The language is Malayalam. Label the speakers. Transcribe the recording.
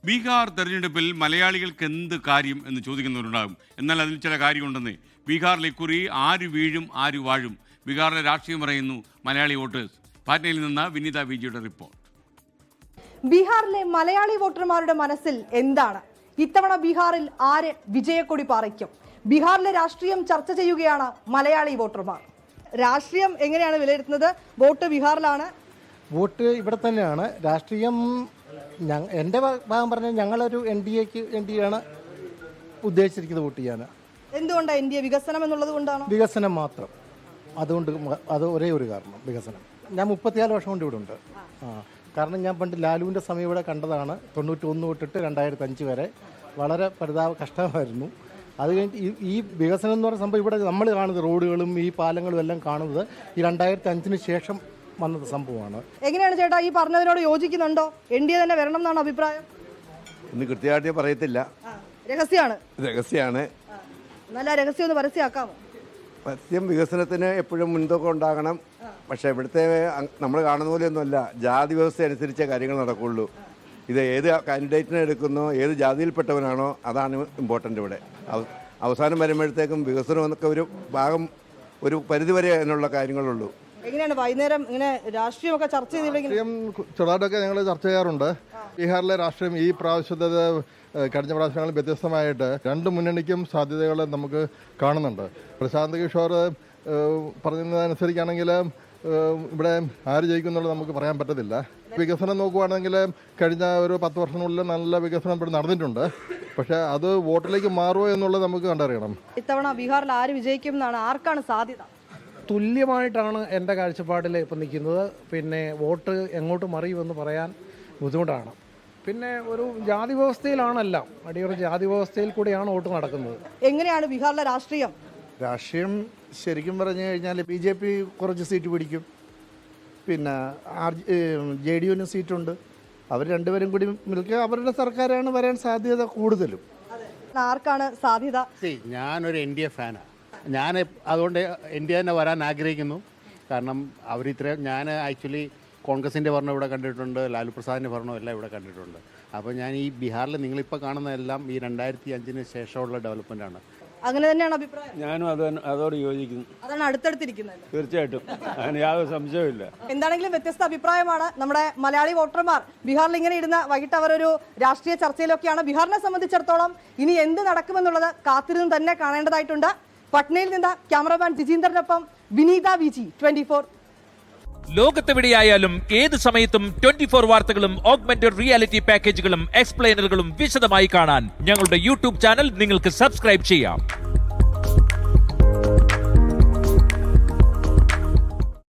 Speaker 1: ബീഹാർ തെരഞ്ഞെടുപ്പിൽ മലയാളികൾക്ക് എന്ത് കാര്യം എന്ന് ചോദിക്കുന്നവരുണ്ടാകും. എന്നാൽ അതിൽ ചില കാര്യമുണ്ടെന്ന്. ബീഹാറിൽ ഇക്കുറി ആര് വീഴും ആര് വാഴും, ബീഹാറിലെ രാഷ്ട്രീയം പറയുന്നു മലയാളി വോട്ടേഴ്സ്. പാറ്റ്നയിൽ നിന്ന് വിനീത വിജിയുടെ റിപ്പോർട്ട്.
Speaker 2: ബീഹാറിലെ മലയാളി വോട്ടർമാരുടെ മനസ്സിൽ എന്താണ്? ഇത്തവണ ബീഹാറിൽ ആര് വിജയക്കൊടി പാറിക്കും? ബീഹാറിലെ രാഷ്ട്രീയം ചർച്ച ചെയ്യുകയാണ് മലയാളി വോട്ടർമാർ. രാഷ്ട്രീയം എങ്ങനെയാണ് വിലയിരുത്തുന്നത്? വോട്ട് ബീഹാറിലാണ്,
Speaker 3: വോട്ട് ഇവിടെ തന്നെയാണ്. രാഷ്ട്രീയം എൻ്റെ ഭാഗം പറഞ്ഞാൽ ഞങ്ങളൊരു NDA ആണ് ഉദ്ദേശിച്ചിരിക്കുന്നത് വോട്ട് ചെയ്യാൻ.
Speaker 2: എന്തുകൊണ്ടാണ് NDA? വികസനം എന്നുള്ളത് കൊണ്ടാണ്.
Speaker 3: വികസനം മാത്രം, അതുകൊണ്ട് അത് ഒരേ ഒരു കാരണം, വികസനം. ഞാൻ 34 വർഷം കൊണ്ട് ഇവിടെ ഉണ്ട്. കാരണം ഞാൻ പണ്ട് ലാലുവിൻ്റെ സമയം ഇവിടെ കണ്ടതാണ്. 91 തൊട്ടിട്ട് 2005 വരെ വളരെ കഷ്ടമായിരുന്നു. അത് കഴിഞ്ഞിട്ട് ഈ വികസനം എന്ന് പറയുന്ന സംഭവം ഇവിടെ നമ്മൾ കാണുന്നത്, റോഡുകളും ഈ പാലങ്ങളും എല്ലാം കാണുന്നത് ഈ 2005 ശേഷം വന്നത് സംഭവമാണ്.
Speaker 2: എങ്ങനെയാണ് ചേട്ടാ, ഈ പറഞ്ഞതിനോട് യോജിക്കുന്നുണ്ടോ? NDA തന്നെ വരണം എന്നാണ് അഭിപ്രായം?
Speaker 4: ഇന്ന് കൃത്യമായിട്ട് പറയത്തില്ല,
Speaker 2: രഹസ്യമാണ്. നല്ല രഹസ്യം ഒന്ന് പരസ്യമാക്കാമോ?
Speaker 4: പരസ്യം വികസനത്തിന് എപ്പോഴും മുൻതൂക്കം ഉണ്ടാകണം. പക്ഷേ ഇവിടുത്തെ നമ്മൾ കാണുന്ന പോലെയൊന്നുമല്ല. ജാതി വ്യവസ്ഥ അനുസരിച്ചേ കാര്യങ്ങൾ നടക്കുകയുള്ളൂ. ഇത് ഏത് കാൻഡിഡേറ്റിനെ എടുക്കുന്നോ, ഏത് ജാതിയിൽപ്പെട്ടവനാണോ, അതാണ് ഇമ്പോർട്ടൻ്റ് ഇവിടെ. അവസാനം വരുമ്പോഴത്തേക്കും വികസനം എന്നൊക്കെ ഒരു ഭാഗം, ഒരു പരിധിവരെ അതിനുള്ള കാര്യങ്ങളുള്ളൂ.
Speaker 2: എങ്ങനെയാണ് വൈകുന്നേരം ഇങ്ങനെ രാഷ്ട്രീയമൊക്കെ ചർച്ച ചെയ്തില്ലെങ്കിൽ?
Speaker 5: ചെറുതായിട്ടൊക്കെ ഞങ്ങൾ ചർച്ച ചെയ്യാറുണ്ട്. ബീഹാറിലെ രാഷ്ട്രീയം ഈ പ്രാവശ്യത്തെ കഴിഞ്ഞ പ്രാവശ്യങ്ങളിൽ വ്യത്യസ്തമായിട്ട് രണ്ട് മുന്നണിക്കും സാധ്യതകൾ നമുക്ക് കാണുന്നുണ്ട്. പ്രശാന്ത് കിഷോർ പറഞ്ഞതനുസരിച്ചാണെങ്കിൽ ഇവിടെ ആര് ജയിക്കുന്നുള്ളത് നമുക്ക് പറയാൻ പറ്റത്തില്ല. വികസനം നോക്കുകയാണെങ്കിൽ കഴിഞ്ഞ ഒരു 10 വർഷത്തിനുള്ളിൽ നല്ല വികസനം ഇവിടെ നടന്നിട്ടുണ്ട്. പക്ഷേ അത് വോട്ടിലേക്ക് മാറുമോ എന്നുള്ളത് നമുക്ക് കണ്ടറിയണം.
Speaker 2: ഇത്തവണ ബീഹാറിൽ ആര് വിജയിക്കും എന്നാണ്, ആർക്കാണ് സാധ്യത?
Speaker 6: തുല്യമായിട്ടാണ് എൻ്റെ കാഴ്ചപ്പാടിൽ ഇപ്പം നിൽക്കുന്നത്. പിന്നെ വോട്ട് എങ്ങോട്ട് മറിയുമെന്ന് പറയാൻ ബുദ്ധിമുട്ടാണ്. പിന്നെ ഒരു ജാതി വ്യവസ്ഥയിലാണെല്ലാം, അടിയൊരു ജാതി വ്യവസ്ഥയിൽ കൂടിയാണ് വോട്ട് നടക്കുന്നത്.
Speaker 2: എങ്ങനെയാണ് ബീഹാറിലെ രാഷ്ട്രീയം?
Speaker 7: രാഷ്ട്രീയം ശരിക്കും പറഞ്ഞു കഴിഞ്ഞാൽ BJP കുറച്ച് സീറ്റ് പിടിക്കും. പിന്നെ JDUവിന് സീറ്റുണ്ട്. അവർ രണ്ടുപേരും കൂടി നിൽക്കുക, അവരുടെ സർക്കാരാണ് വരാൻ സാധ്യത കൂടുതലും.
Speaker 2: ആർക്കാണ് സാധ്യത?
Speaker 8: ഞാനൊരു NDA ഫാനാണ്. ഞാൻ അതുകൊണ്ട് NDA തന്നെ വരാൻ ആഗ്രഹിക്കുന്നു. കാരണം ഞാൻ ആക്ച്വലി കോൺഗ്രസിൻ്റെ ഭരണം ഇവിടെ കണ്ടിട്ടുണ്ട്, ലാലു പ്രസാദിൻ്റെ ഭരണം എല്ലാം ഇവിടെ കണ്ടിട്ടുണ്ട്. അപ്പോൾ ഞാൻ ഈ ബീഹാറിൽ നിങ്ങളിപ്പോൾ കാണുന്നതെല്ലാം ഈ 2005 ശേഷമുള്ള ഡെവലപ്മെൻറ്റാണ്.
Speaker 2: അങ്ങനെ തന്നെയാണ് അഭിപ്രായം.
Speaker 9: ഞാനും അതോട് യോജിക്കുന്നു.
Speaker 2: അതാണ് അടുത്തടുത്തിരിക്കുന്നത്.
Speaker 9: തീർച്ചയായിട്ടും, അതിന് യാതൊരു സംശയമില്ല.
Speaker 2: എന്താണെങ്കിലും വ്യത്യസ്ത അഭിപ്രായമാണ് നമ്മുടെ മലയാളി വോട്ടർമാർ. ബീഹാറിൽ ഇങ്ങനെ ഇരുന്ന് വൈകിട്ട് അവരൊരു രാഷ്ട്രീയ ചർച്ചയിലൊക്കെയാണ്. ബീഹാറിനെ സംബന്ധിച്ചിടത്തോളം ഇനി എന്ത് നടക്കുമെന്നുള്ളത് കാത്തിരുന്ന് തന്നെ കാണേണ്ടതായിട്ടുണ്ട്. പട്നയിൽ നിന്ന് ക്യാമറമാൻ ജിജീന്ദറിനൊപ്പം വിനീത വിജി, 24.
Speaker 10: ലോകത്തെവിടെയായാലും ഏത് സമയത്തും 24 വാർത്തകളും ഓഗ്മെന്റഡ് റിയാലിറ്റി പാക്കേജുകളും എക്സ്പ്ലെയിനറുകളും വിശദമായി കാണാൻ ഞങ്ങളുടെ YouTube ചാനൽ നിങ്ങൾക്ക് സബ്സ്ക്രൈബ് ചെയ്യാം.